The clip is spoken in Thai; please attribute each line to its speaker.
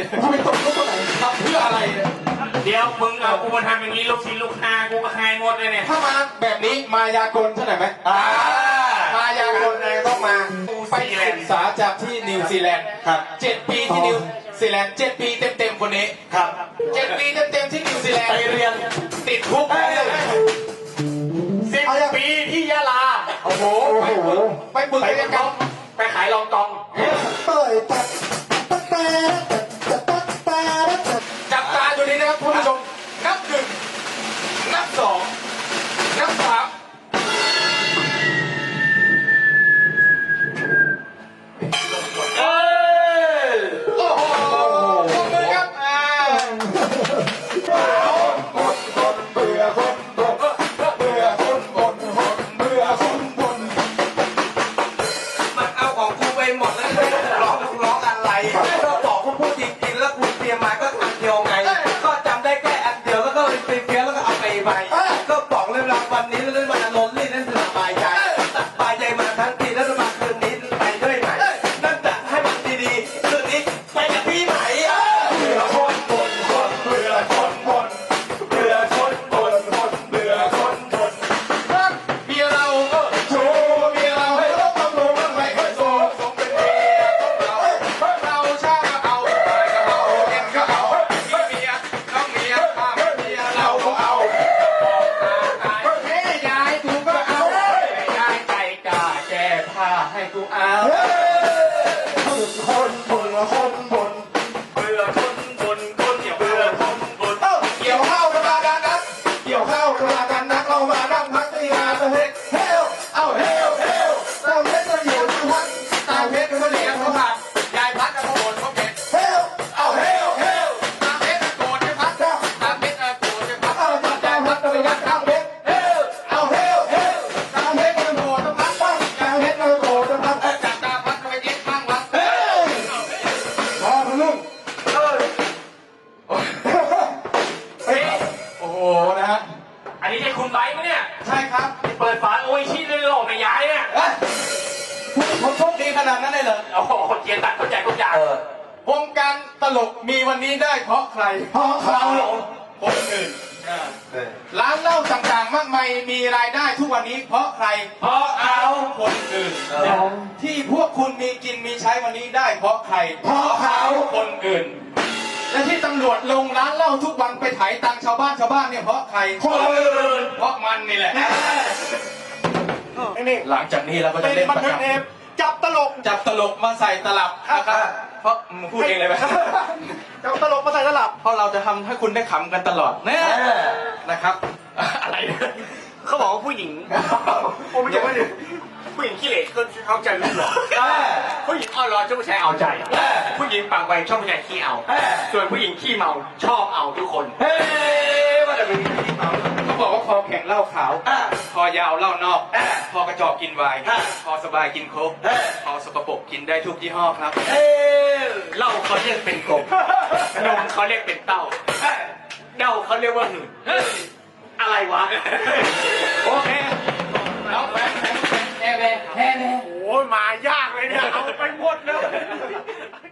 Speaker 1: ทำไมตกลูกตัวไหนทำเพื่ออะไรเนี่ย
Speaker 2: เดี๋ยวมึงเอากูมาทำอย่างนี้ลูกศิษย์ลูกหากูก็หายหมดเลยเนี่ย
Speaker 1: ถ้ามาแบบนี้มายากลใช่ไหมมายากลอะไรต้องมาไปศึกษาจากที่นิวซีแลนด์ครับ7 ปีที่นิวซีแลนด์7 ปีเต็มๆคนนี้ครับ7 ปีเต็มๆที่นิวซีแลนด์ไปเรียนติดคุก10 ปีที่ยะลาโอ้โหไปฝึกเรียนกันไปขายรองกองจับตาดูนี้นะครับคุณผู้ชมนับ 1 นับ 2 นับ 3โอ้โหปรบมือครับเบื่อคนบ่นเบื่อคนบ่นเบื่อคนบ่น
Speaker 3: มันเอาของกูไปหมดแล้วร้องอะไรก็บอกกูพูดจริงๆแล้วกูเตรียมมาก็อันเดียวไงก็จำได้แค่อันเดียวแล้วก็ไปเพี้ยนแล้วก็เอาไปก็บอกเลยว่าวันนี้เรื่องมันอารมณ์นี่นั่นสบายใจมาทั้งทีแล้วมาคืนนี้ไปด้วยไหมนั่นจะให้มันดีๆคืนนี้ไปกับพี่ไหม
Speaker 1: เบื่อคนบ่นเบื่อคนบ่นเบื่อคนบ่นเบื่อคนบ่นรักเมียเราโชว์เมียเราให้เราต้องรู้ว่าไม่เคยโชว์สมเป็นเมียของเราช้าก็เอาตายก็เอาเย็นก็เอามีเมียน้องเมียข้าเมียเราก็เอาเฮ้ยยายกูก็เอายายใจกล้าแก้ผ้าให้กูเอาคนบ่นคนบ่น
Speaker 2: เบื่อคนบ่นคนอย่าเบื่อคนบ่น
Speaker 1: เกี่ยวข้าวกันมากันนักเกี่ยวข้าวกันมากันนักเรามานั่งพักที่งานเฮ้ยเฮลเอาเฮลตามเพชรก็อยู่ที่พักตามเพชรก็เลี้ยงเขาผัดยายพัดก็โกรธเขาเผ็ดเฮลเอาเฮลตามเพชรก็โกรธยายพัดตามเพชรก็โกรธยายพัดเอาตามยายพัดก็ไปยัดตามเพชรเฮลเอาเฮลตามเพชรก็โกรธยายพัดตามเพชรก็โกรธยายพัดจับตามพัดก็ไปเย็ดข้างวัดเฮลพอทะลึ่งโอ้โหนะฮะ
Speaker 2: อันนี้ใช่คุณไบค์ไหมเนี่ย
Speaker 1: ใช่ครับ
Speaker 2: เปิดฝาโออิชิเลยหลอกไม่ย้ายเนี่ย
Speaker 1: ผมโชคดีขนาดนั้นเลยเหรอ
Speaker 2: โอ้โหเกียร์ตัดเข้าใจทุกอย่าง
Speaker 1: วงการตลกมีวันนี้ได้เพราะใคร เพราะเขาคนอื่นร้านเหล้าต่างๆมากมายมีรายได้ทุกวันนี้เพราะใคร
Speaker 2: เพราะเอา
Speaker 1: คนอื่นที่พวกคุณมีกินมีใช้วันนี้ได้เพราะใคร เพราะเขาคนอื่น และที่ตำรวจลงร้านเหล้าทุกวันไปไถตังชาวบ้านเนี่ยเพราะใคร
Speaker 2: คนอื่น
Speaker 1: เพราะมันนี่แหละ
Speaker 2: นี่
Speaker 1: หลังจากนี้เราก็จะเล่นประจำจับตลกมาใส่ตลับนะครับเพราะมึงพูดเองเลยไหมจับตลกมาใส่ตลับเพราะเราจะทำให้คุณได้ขำกันตลอดแน่นะครับอะไร
Speaker 2: เขาบอกว่าผู้หญิงผมไม่ใช่ผู้หญิงขี้เหร่เขาใจไม่หรอกผู้หญิงอ่อนร้อนชอบผู้ชายเอาใจผู้หญิงปากไวชอบผู้ชายขี้เอาส่วนผู้หญิงขี้เมาชอบเอาทุกคนว่าแต่เป็นขี้เมา
Speaker 1: เขาบอกว่าคอแข็งเหล้าขาวคอยาวเหล้านอกคอกระจอกกินไวน์คอสบายกินโค้กคอสกปรกกินได้ทุกยี่ห้อครับ
Speaker 2: เหล้าเขาเรียกเป็นกบนมเขาเรียกเป็นเต้าเด้าเขาเรียกว่าหื่นอะไรวะ
Speaker 1: โอเคน้องแพ้โอ้ยมายากเลยเนี่ยเอาไปหมดแล้ว